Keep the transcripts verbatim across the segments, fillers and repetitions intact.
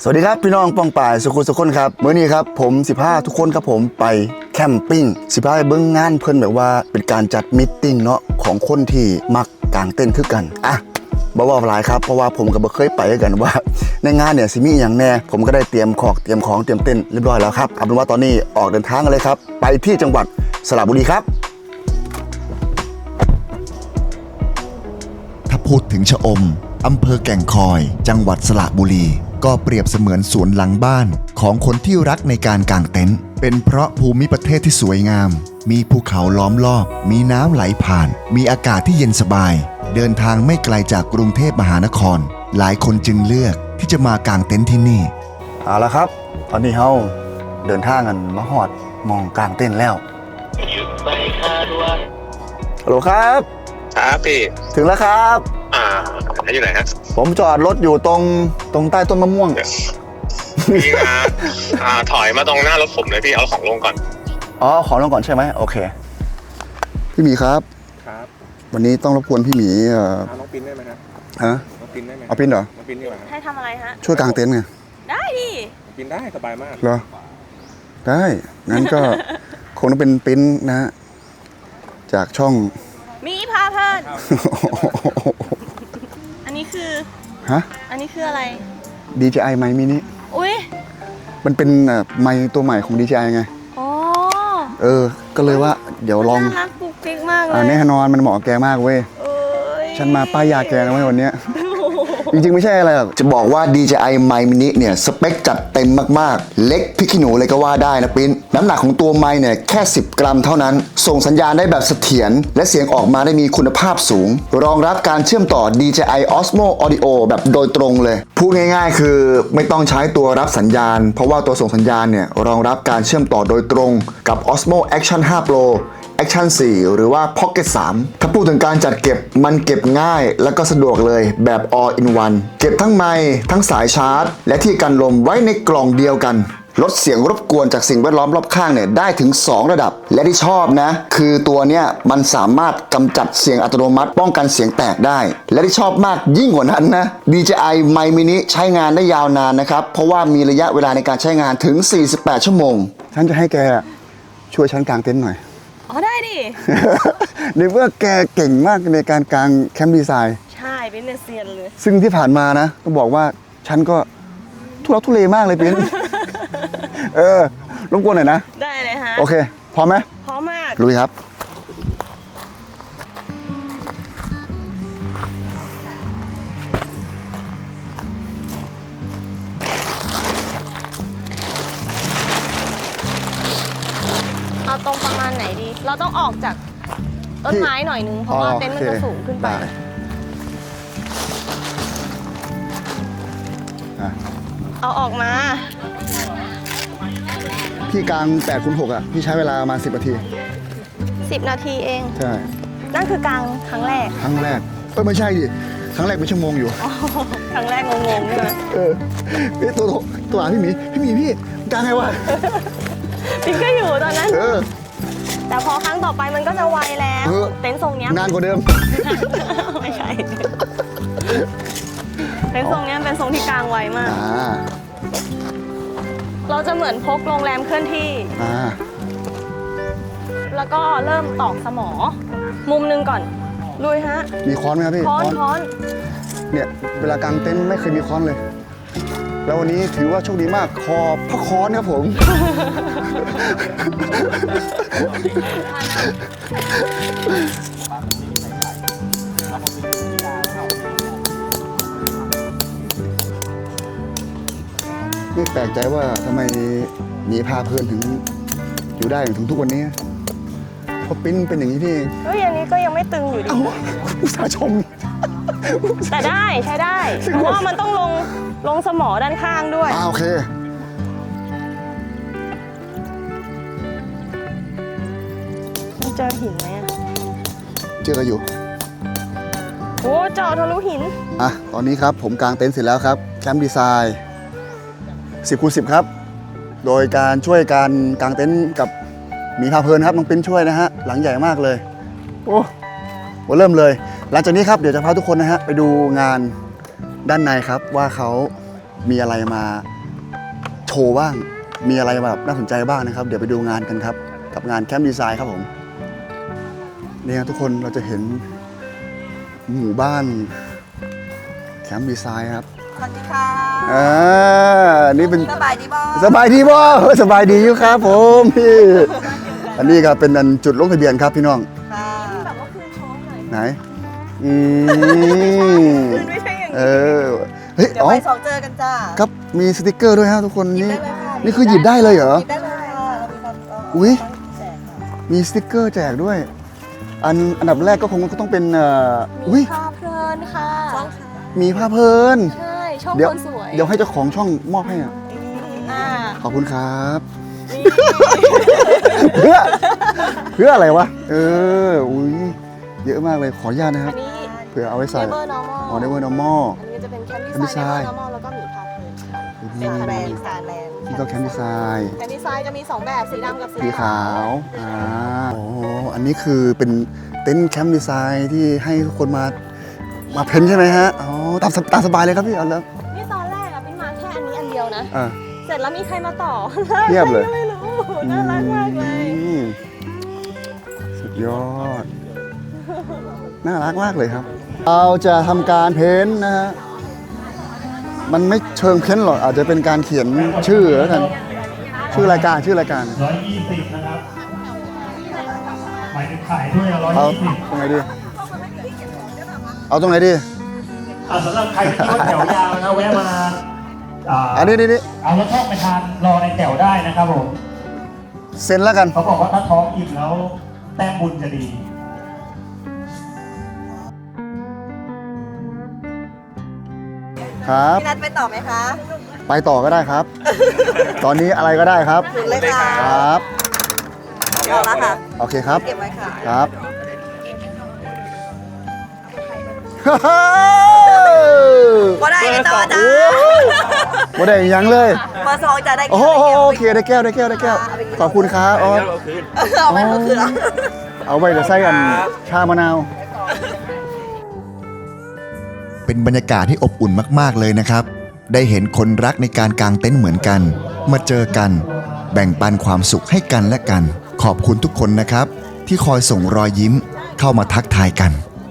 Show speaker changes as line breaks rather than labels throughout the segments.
สวัสดีครับพี่น้องป้องป่ายสุขุสุขคนครับเมื่อนี้ครับผมสิบห้าทุกคนครับผมไปแคมปิ้งสิบห้าเบิ้งงานเพิ่นแบบว่าเป็นการจัดมิทติ้งเนาะของคนที่มักกางเต้นคือกันอ่ะบ่ว่าหลายครับเพราะว่าผมก็บ่เคยไปกันว่าในงานเนี่ยสิมีอย่างแน่ผมก็ได้เตรียมของเตรียมของเตรียมเต้นเรียบร้อยแล้วครับเอาเป็นว่าตอนนี้ออกเดินทางกันเลยครับไปที่จังหวัดสระบุรีครับ
ถ้าพูดถึงชะอมอำเภอแก่งคอยจังหวัดสระบุรีก็เปรียบเสมือนสวนหลังบ้านของคนที่รักในการกางเต็นท์เป็นเพราะภูมิประเทศที่สวยงามมีภูเขาล้อมรอบมีน้ำไหลผ่านมีอากาศที่เย็นสบายเดินทางไม่ไกลจากกรุงเทพมหานครหลายคนจึงเลือกที่จะมากางเต็นท์ที่นี่
เอาละครับตอนนี้เฮาเดินทางกันมาฮอดมองกางเต็นท์แล้วฮัลโหลครับ
ครับพี่
ถึงแล้วครับ
อ่าอยู่ไหนฮะ
ผมจอดรถอยู่ตรงตรงใต้ต้นมะม่วง
พี่มาอ่าถอยมาตรงหน้ารถผมเลยพี่เอาของลงก่อน
อ๋อของลงก่อนใช่ไหมโอเคพี่หมีครับ
ครับ
วันนี้ต้องรบกวนพี่หมีเอ่อ
น้องปิ้นได้ไหมครับ
ฮะ
น้องปิ้นได้ไหม
เอาปิ้นเหรอ
น้องปิ้นดีกว่า
ให้ทำอะไรฮะ
ช่วยกางเต็นท์ไง
ได้ดิ
ปิ้นได้สบายมาก
เหรอได้งั้นก็คงต้องเป็นปิ้นนะฮะจากช่อง
มีพาเพลินอันนี้คือ
ฮะ
อันนี้คืออะไร
ดี เจ ไอ ไมค์มินิ
อุ้ย
มันเป็นไมค์ตัวใหม่ของ ดี เจ ไอ ไง
อ๋อ
เออก็เลยว่าเดี๋ยวลอง
น่ารักปุ๊กปิ๊กมากเลย
อ่าแน่นอนมันเหมาะแกมากเว้ยฉันมาป้ายยาแกนะเว้ยวันเนี้ยจริงๆไม่ใช่อะไรหรอกจะบอกว่า ดี เจ ไอ ไมค์มินิเนี่ยสเปคจัดเต็มมากๆเล็กพริกขี้หนูเลยก็ว่าได้นะปิ้นน้ำหนักของตัวไมค์เนี่ยแค่สิบกรัมเท่านั้นส่งสัญญาณได้แบบเสถียรและเสียงออกมาได้มีคุณภาพสูงรองรับการเชื่อมต่อ ดี เจ ไอ Osmo Audio แบบโดยตรงเลยพูดง่ายๆคือไม่ต้องใช้ตัวรับสัญญาณเพราะว่าตัวส่งสัญญาณเนี่ยรองรับการเชื่อมต่อโดยตรงกับ Osmo Action ไฟว์ Pro Action โฟร์ หรือว่า Pocket ทรี ถ้าพูดถึงการจัดเก็บมันเก็บง่ายและก็สะดวกเลยแบบ all in one เก็บทั้งไมค์ทั้งสายชาร์จและที่กันลมไว้ในกล่องเดียวกันลดเสียงรบกวนจากสิ่งแวดล้อมรอบข้างเนี่ยได้ถึงสองระดับและที่ชอบนะคือตัวเนี้ยมันสามารถกำจัดเสียงอัตโนมัติป้องกันเสียงแตกได้และที่ชอบมากยิ่งกว่านั้นนะ ดี เจ ไอ Mic Mini ใช้งานได้ยาวนานนะครับเพราะว่ามีระยะเวลาในการใช้งานถึงสี่สิบแปดชั่วโมงฉันจะให้แกช่วยฉันกางเต็นท์หน่อย
อ๋อได้ดิ
ในเมื่อแกเก่งมากในการกางแคมป์ดีไซน์
ใช่เป็นเซียนเลย
ซึ่งที่ผ่านมานะต้องบอกว่าฉันก็ทุรักทุเลมากเลยปิ้น เออรบกวนหน่อยนะ
ได้เลยฮะ
โอเคพร้อมไหม
พร้อมมาก
ลุยครับ
เอาตรงประมาณไหนดีเราต้องออกจากต้นไม้หน่อยนึงเพราะว่าเต็นท์มันจะสูงขึ้นไปเอาออกมา
พี่กลางแปดคูณหกอ่ะพี่ใช้เวลาประมาณสิบนาที
สิบนาทีเอง
ใช่
นั่นคือกลางครั้งแรก
ครั้งแรกเออไม่ใช่ดิครั้งแรกเป็นชั่วโมงอยู่
ครั้งแรกงงๆใช่ไหม
เออตัวตัวพี่หมีพี่หมีพี่กลางไงวะ
พี่ก็อยู่ตอนนั้น
เออ
แต่พอครั้งต่อไปมันก็จะไวแล้วเต็นท์ทรงนี้
นานกว่าเดิม
ไม่ใช่เต็นท์ทรงนี้เป็นทรงที่กลางไวมากเราจะเหมือนพกโรงแรมเคลื่อนที่แล้วก็เริ่มตอกสมอมุมนึงก่อนลุยฮะ
มีค้อนไหมครับพี่
ค้อนค้อน
เนี่ยเวลากางเต็นท์ไม่เคยมีค้อนเลยแล้ววันนี้ถือว่าโชคดีมากคอพระค้อนครับผมไม่แปลกใจว่าทำไมหมีพาเพลินถึงอยู่ได้ถึงทุกวันนี้เพราะปิ้นเป็นอย่างนี้พี่เอง
เฮ้ยอันนี้ก็ยังไม่ตึงอยู่ดี
อุตส่าห์ชม
แต่ได้ใช้ได้เพราะว่ามันต้องลงลงสมอด้านข้างด้วย
อ่าโอเค
มันเจอหินไหมอ่ะ
เจอกันอยู่
โอ้เจาะทะลุหิน
อ่ะตอนนี้ครับผมกางเต็นท์เสร็จแล้วครับแคมป์ดีไซน์สิบคูณสิบครับโดยการช่วยการกางเต็นท์กับหมีพาเพลินครับน้องปิ้นช่วยนะฮะหลังใหญ่มากเลยโอ้โหเริ่มเลยหลังจากนี้ครับเดี๋ยวจะพาทุกคนนะฮะไปดูงานด้านในครับว่าเขามีอะไรมาโชว์บ้าง มีอะไรแบบน่าสนใจบ้างนะครับ เดี๋ยวไปดูงานกันครับ กับงานแคมป์ดีไซน์ครับผมเนี่ยทุกคนเราจะเห็นหมู่บ้านแคมป์ดีไซน์ครับ
สวัสดีค่ะ
อ่านี่เป็น
สบายดีบ่
สบายดีบ่เออสบายดีอยู่ครับผมพี่อันนี้ก็เป็นอันจุดลงทะเบียนครับพี่น้อง
ค่ะ
แบบว่าคืนโชว์หน่อย
ไหนอืม
ไม่ใช่อย่าง
เอ
นี้
อเฮ้ย
เดี๋ยว
อ๋อ
ไปสองเจอกันจ้า
ครับมีสติกเกอร์ด้วยฮะทุกคน
หยิบ
นี่
ได้เลยค่ะ
นี่คือหยิบได้เลยเหรอ
หยิบได้เลยค่ะเรามีความเรา
อุ๊ย
แจกค่ะ
มีสติกเกอร์แจกด้วย อันอันดับแรกก็คงต้องเป็นเอ่ออุ้
มี
ย
ภาพเพลินค่ะ
ช่องค่ะ
มีผ้าเพลิน
ใช่ช่อง
เดี๋ยว
คนสวย
เดี๋ยวให้เจ้าของช่องมอบให้อ่ะ
อ่า
ขอบคุณครับเพื่อเพื่ออะไรวะเอออุ้ยเยอะมากเลยขออนุญาตนะค
อั
รับ
นนี้
เผื่อเอาไว้ใส่
Never Normal
อ๋อ Never Normal
อันนี้จะเป็นแคมป์
Camp
ดีไซน์
Design
Never Normal แล้วก็มีภาพเพลินค่ะ
อื
เป็น
ม
คะ
แบ
แน
ร
น
น
ดี
ด์
ไซ
ค่ะ
น์
แบรนด์
นี่ก็แคมป์ดีไซน์
แคมป์ดีไซน์จะมีสองแบบสีดำกับสี
สี
ขา
ขาว วอ่าโอ้อันนี้คือเป็นเต็นท์แคมป์ดีไซน์ที่ให้ทุกคนมามาเพ้นท์ใช่ไหมฮะอ๋อตามสตามสบายเลยครับพี่เอาแล้ว
นี่ตอนแรกอะเป็นมาแค่อันนี้อันเดียวนะ
อ่า
เสร็จแล้วมีใครมาต่อ
เทียบเลย
ไม่รู้น่ารักมากเลย
อืมสุดยอด น่ารักมากเลยครับ เราจะทำการเพ้นท์นะฮะ มันไม่เชิงเพ้นท์หรอก อาจจะเป็นการเขียนชื่อแล้วกัน ชื่อรายการชื่อรายการ
ร้อยยี่สิบนะครับหมายถึงขายด้วยร้อย
เอา
ยี่สิบ
ตรงไหนดี เอาตรงไหนดี
อ่าสำหรับใครที่ว่าแถวยาวนะแวะมาอ่า
อันนี้นี่นี่
เอารถช่องไปทานรอในแถวได้นะครับผม
เซ็นแล้วกัน
เขาบอกว่าถ้าท้องอิ่มแล้วแต้มบุญจะดี
ครับ
พี่นัทไปต่อไหมคะ
ไปต่อก็ได้ครับ ตอนนี้อะไรก็ได้ครับ
ถึงเลยค่ะ
ครับ
เอาละค่ะ
โอเคครับ
เก็บไว้ค่ะ
ครับ
บ่ได้กันต่อจ้า
บ่ได้หยังเลย
เบอร์สองจะได้
โอ้โหโอเคได้แก้วได้แก้วได้แก้ว ขอบคุณครับอ๋อ
เอาไปก็คือเหรอ
เอาไว้จะใส่กันชามะนาว
เป็นบรรยากาศที่อบอุ่นมากๆเลยนะครับ ได้เห็นคนรักในการกางเต็นท์เหมือนกัน มาเจอกัน แบ่งปันความสุขให้กันและกัน ขอบคุณทุกคนนะครับ ที่คอยส่งรอยยิ้มเข้ามาทักทายกัน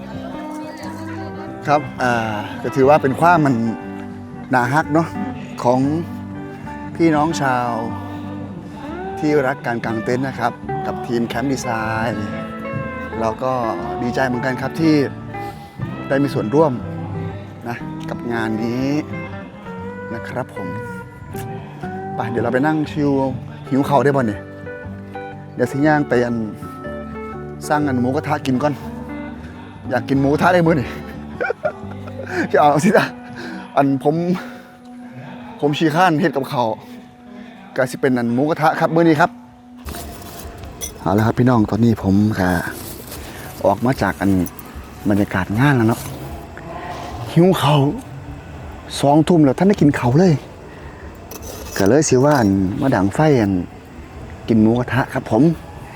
ครับ อ่า ก็ถือว่าเป็นความมันนาฮักเนาะของพี่น้องชาว ที่รักการกางเต็นท์นะครับ กับทีมแคมป์ดีไซน์เราก็ดีใจเหมือนกันครับที่ได้มีส่วนร่วมนะกับงานนี้นะครับผมไปเดี๋ยวเราไปนั่งชิวหิวเข่าวได้ป่ะเนี่ยเดี๋ยวสิย่างไปอันสร้างอันหมูกระทะกินก่อน อยากกินหมูกระทะได้มื้อนี่ จะเอาสิจ้ะอันผม ผมชีข้านเฮ็ดกับเขาวก็สิเป็นอันหมูกระทะครับมื้อนี้ครับเอาละครับพี่น้องตอนนี้ผมก็ออกมาจากอันบรรยากาศงานแล้วเนาะหิวเขาวสองทุ่มแล้วท่านได้กินเขาวเลยก็เลยสิว่าอันมาดังไฟอันกินหมูกระทะครับผม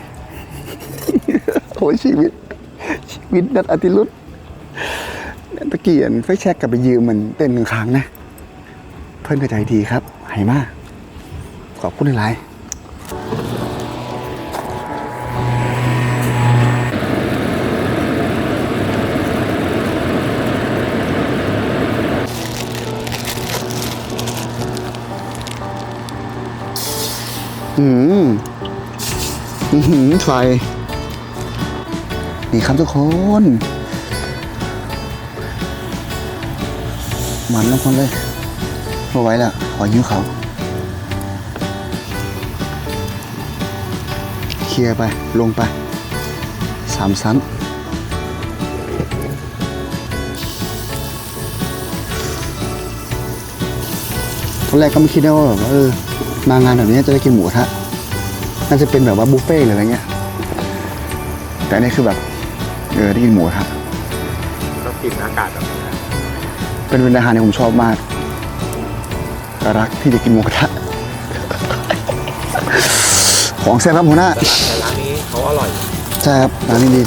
โอ้ยชีวิต ชีวิตนัดอติรุธตะเกียนไฟแช็กกลับไปยืมมันเต้นหนึ่งครั้งนะ เพื่อนกระใจดีครับให้มากขอบคุณหลายอืมอือหือไฟ นี่ครับทุกคนมันแล้วคนเลยมาไว้แล้วขอยิ้วเขาเคลียร์ไป ลงไป สามชั้นตอนแรกก็ไม่คิดนะว่าแบบว่าเออ มางานแบบนี้จะได้กินหมูกระทะน่าจะเป็นแบบว่าบุฟเฟ่ต์หรืออะไรเงี้ย แต่อันนี่คือแบบ เออได้กินหมูกระทะ
ต้องกินอากาศแบบนี้
เป็นเป็นอาหารที่ผมชอบมากรักที่จะกินหมูกระทะ ของแซ่บครับหัวหน้า
แต่ร้านนี้เขาอร่อย
ใช่ครับร้านนี้ดี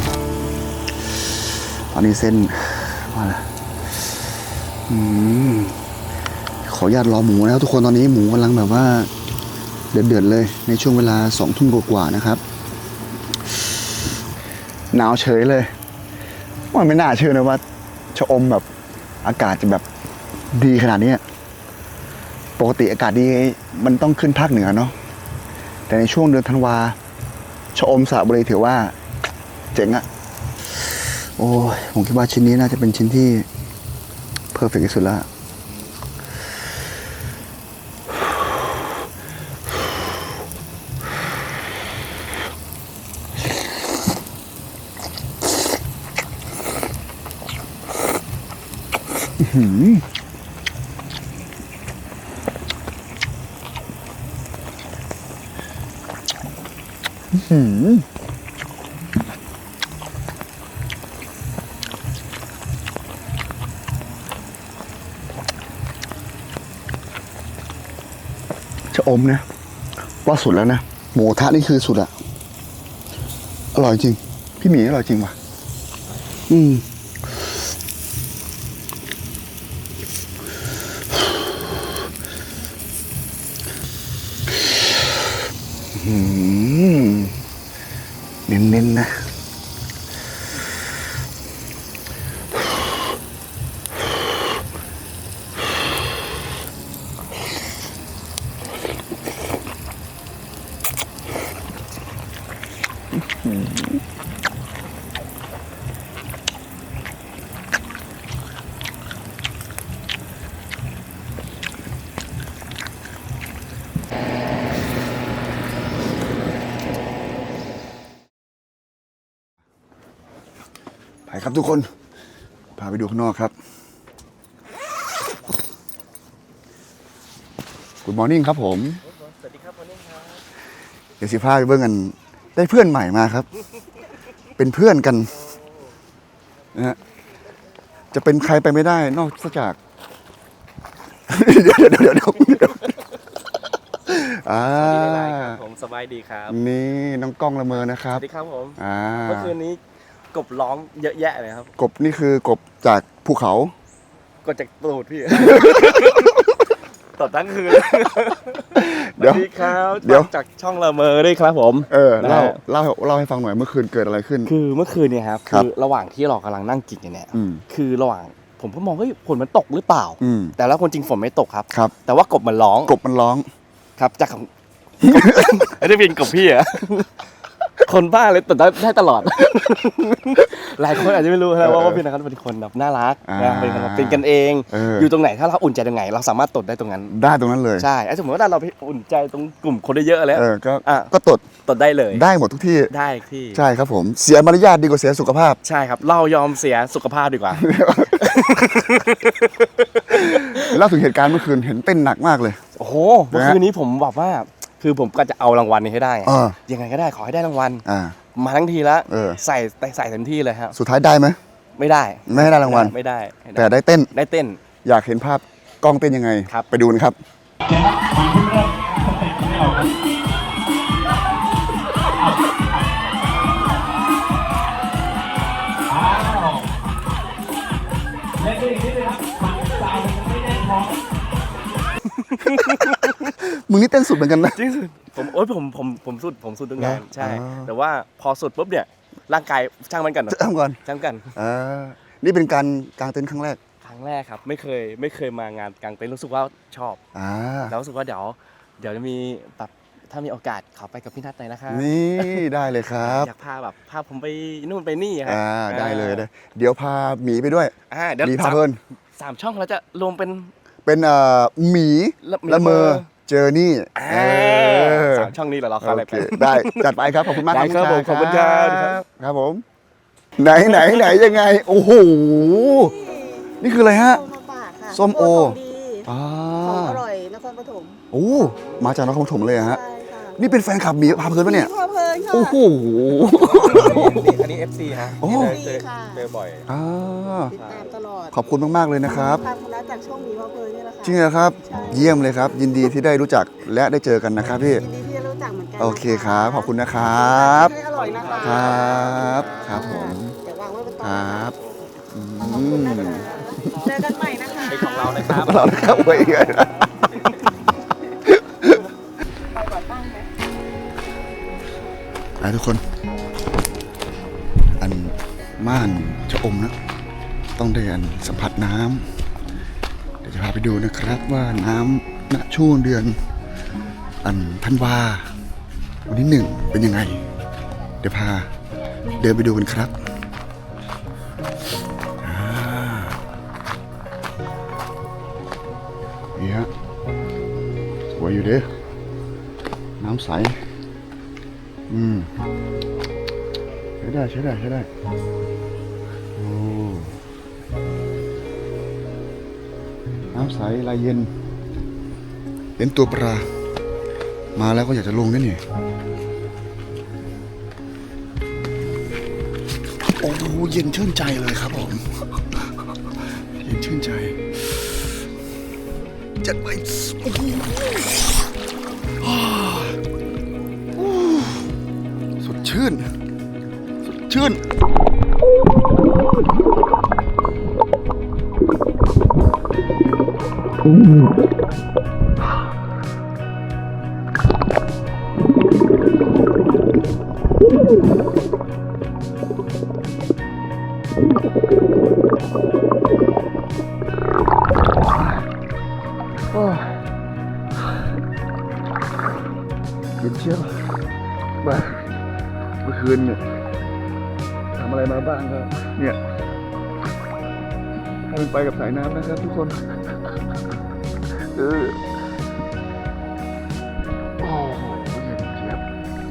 ตอนนี้เส้นมาแล้วอืมขออนุญาตรอหมูนะครับทุกคนตอนนี้หมูกำลังแบบว่าเดือดๆเลยในช่วงเวลาสองทุ่มกว่าๆนะครับหนาวเฉยเลยมันไม่น่าเชื่อนะว่าชะอมแบบอากาศจะแบบดีขนาดนี้ปกติอากาศดีมันต้องขึ้นภาคเหนือเนาะแต่ในช่วงเดือนธันวาชะอมสระบุรีถือว่าเจ๋งอะโอ้ยผมคิดว่าชิ้นนี้น่าจะเป็นชิ้นที่เพอร์เฟกต์ที่สุดแล้วหืมหืมชะอมนะว่าสุดแล้วนะหมูกระทะนี่คือสุดอะอร่อยจริงพี่หมีอร่อยจริงว่ะอืมอืมเน้นๆนะไปครับทุกคนพาไปดูข้างนอกครับ Good morning ครับผมสวัสดีครับ morning ครับเดี๋ยวสิพาไปเบิ่งกันได้เพื่อนใหม่มาครับ เป็นเพื่อนกันนะฮะจะเป็นใครไปไม่ได้นอกจาก เดี๋ยวเดี๋ยวเดี๋ยวเดี๋ยวเดี๋ยวอ่า
ผมสบายดีครับ
นี่น้องกล้องละเมอนะครับ
สวัสดีครับผม
อ่า
เมื่อคืนนี้กบร้องเยอะแยะเลยครับ
กบนี่คือกบจากภูเขา
กดจากตูดพี่ ตดทั้งคืน
เดี๋ยว
สวัสดีครับ
เดี๋ยว
จากช่องละเมอด้วยครับผม
เออเล่า
นะฮะ
เล่าเล่าให้ฟังหน่อยเมื่อคืนเกิดอะไรขึ้น
คือเมื่อคืนเนี่ยครับ
ครับ
คือระหว่างที่เรากำลังนั่งกินกันเนี่ย
อืม
คือระหว่างผมก็มองเฮ้ยฝนมันตกหรือเปล่า
อืม
แต่แล้วคนจริงฝนไม่ตกครับ
ครับ
แต่ว่ากบมันร้อง
กบมันร้อง
ครับจากของ ไอ้ที่เป็นกบพี่อะ คนบ้าเลยตดได้ตลอด หลายคนอาจจะไม่รู้นะว่าว่าพี่นะครับเป็นคนแบบน่ารัก
อ่า
นะเป็นคนแบบเป็นกันเอง
เออ
อยู่ตรงไหนถ้าเราอุ่นใจตรงไหน เราสามารถตดได้ตรงนั้น
ได้ตรงนั้นเลย
ใช่ไอ้สมมติว่าเราไปอุ่นใจตรงกลุ่มคนได้เยอะแล้ว
เออก็
อ่ะ
ก็ตด
ตดได้เลย
ได้หมดทุกที่
ได้ที่
ใช่ครับผมเสียมารยาทดีกว่าเสียสุขภาพ
ใช่ครับ เรายอมเสียสุขภาพดีกว่า
เล่าถึงเหตุการณ์เมื่อคืนเห็นเต้นหนักมากเลย
โอ้โหเมื่อคืนนี้ผมบอกว่า คือผมก็จะเอารางวัลนี้ให้ได้
เออ
ยังไงก็ได้ขอให้ได้รางวัล
อ่า
มาทั้งทีแล้ว
เออ
ใส่ใส่เต็มที่เลยครับ
สุดท้ายได้ไหม
ไม่ได้
ไม่ให้ได้รางวัล
ไม่ได้ไม่
แต่ได้เต้น
ได้เต้น
อยากเห็นภาพกล้องเต้นยังไง
ครับ
ไปดูกันครับ มึงนี่เต้นสุดเหมือนกันนะ
จริงสุดผมโอ๊ยผมผมผมสุดผมสุดตรงงาน
เหรอ
ใช่
อ๋อ
แต่ว่าพอสุดปุ๊บเนี่ยร่างกายช่างมันกัน
จะทำก่อน
ช่างกัน
อ่านี่เป็นการกางเต็นท์ครั้งแรก
ครั้งแรกครับไม่เคยไม่เคยมางานกางเต็นท์รู้สึกว่าชอบ
อ่า
แล้วรู้สึกว่าเดี๋ยวเดี๋ยวจะมีแบบถ้ามีโอกาสขอไปกับพี่นัทหน่อยนะคะ
นี่ได้เลยครับ
อยากพาแบบพาผมไปนู่นไปนี่ครับ
อ่าได้เลยได้เดี๋ยวพาหมีไปด้วย
อ่าเดี๋ยว
หมีพา
สาม
เพลิน
สามช่องเราจะรวมเป็น
เป็นเอ่อหมี
ละ
ละเมอ
ละเมอ
เจอนี่
อ่า
เออ
สามช่องนี้เหรอเราเข้าอะไร
โอ
ไป
เคได้จัดไปครับขอบคุณมาก
ได้ครับ
น้งชาย
ผมขอบคุณครับ
ครับผมไหนไหนไหนยังไง โอ้โหนี่คืออะไรฮะ
ส้มมาฝากค่ะ
ส้มโอ
ของดี
อ่า
ของอร่อยนครปฐม
โอ้มาจากนครปฐมเลยเหรอฮะ
ใช่ค่ะ
นี่เป็นแฟนคลับหมีพาเพลินปะเนี่ย
พอเพลินค่ะ
โอ้โห
อันนี้ เอฟ ซี ฮะ
โอ้
เจอ
ค่ะ
เจอบ่อย
อ่า
ติดตามตลอด
ขอบคุณมากๆเลยนะครับ
ทางคณะจากช่องหมีพอเพลินนี่แหละค่ะ
จริงเหรอครับ
ใช่
เยี่ยมเลยครับ ยินดีที่ได้รู้จักและได้เจอกันนะครับพี่
ยินดีที่ได้รู้จักเหมือนกันนะะ
โอเคครับขอบคุณนะครับ
ให้อร่อยนะคะ
ครับครับผม
เดี๋ยววางไว้บน
ค
โต๊ะ
รับ
ขอบคุณนะคะเจอกันใหม่นะคะ
ของเรานะครับ
เรานะครับเว้ย
ไปก่อนตั้งไหม
ไปทุกคน อันม่านจะอมนะ ต้องได้อันสัมผัสน้ำเดี๋ยวจะพาไปดูนะครับว่าน้ำณช่วงเดือน อันธันวาวันที่หนึ่งเป็นยังไง เดี๋ยวพาเดินไปดูกันครับอ่านี่ฮะสวยอยู่เด้อน้ำใส อืมใช้ได้ใช้ได้ใช้ได้โอ้น้ำใสลายเย็นเห็นตัวปลามาแล้วก็อยากจะลงนี่นี่โอ้เย็นชื่นใจเลยครับผมเย็นชื่นใจจัดไปโอ้โหอ่าโอ้สดชื่นสดชื่น เย็นเชียวบ้าเมื่อคืนเนี่ยทำอะไรมาบ้างครับเนี่ยให้มันไปกับสายน้ำนะครับทุกคนเออโอ้โหเย็นเชียบ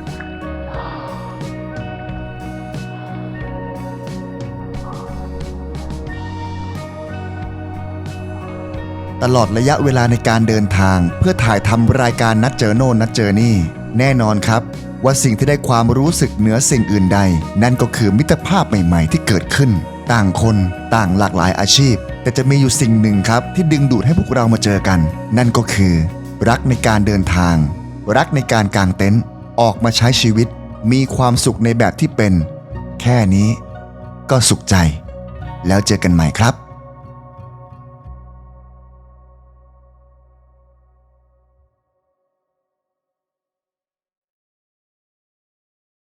ตลอดระยะเวลาในการเดินทางเพื่อถ่ายทำรายการนัดเจอโน่นนัดเจอนี่แน่นอนครับว่าสิ่งที่ได้ความรู้สึกเหนือสิ่งอื่นใด นั่นก็คือมิตรภาพใหม่ๆที่เกิดขึ้น ต่างคนต่างหลากหลายอาชีพ แต่จะมีอยู่สิ่งหนึ่งครับที่ดึงดูดให้พวกเรามาเจอกัน นั่นก็คือ รักในการเดินทาง รักในการกางเต็นท์ออกมาใช้ชีวิต มีความสุขในแบบที่เป็น แค่นี้ก็สุขใจ แล้วเจอกันใหม่ครับ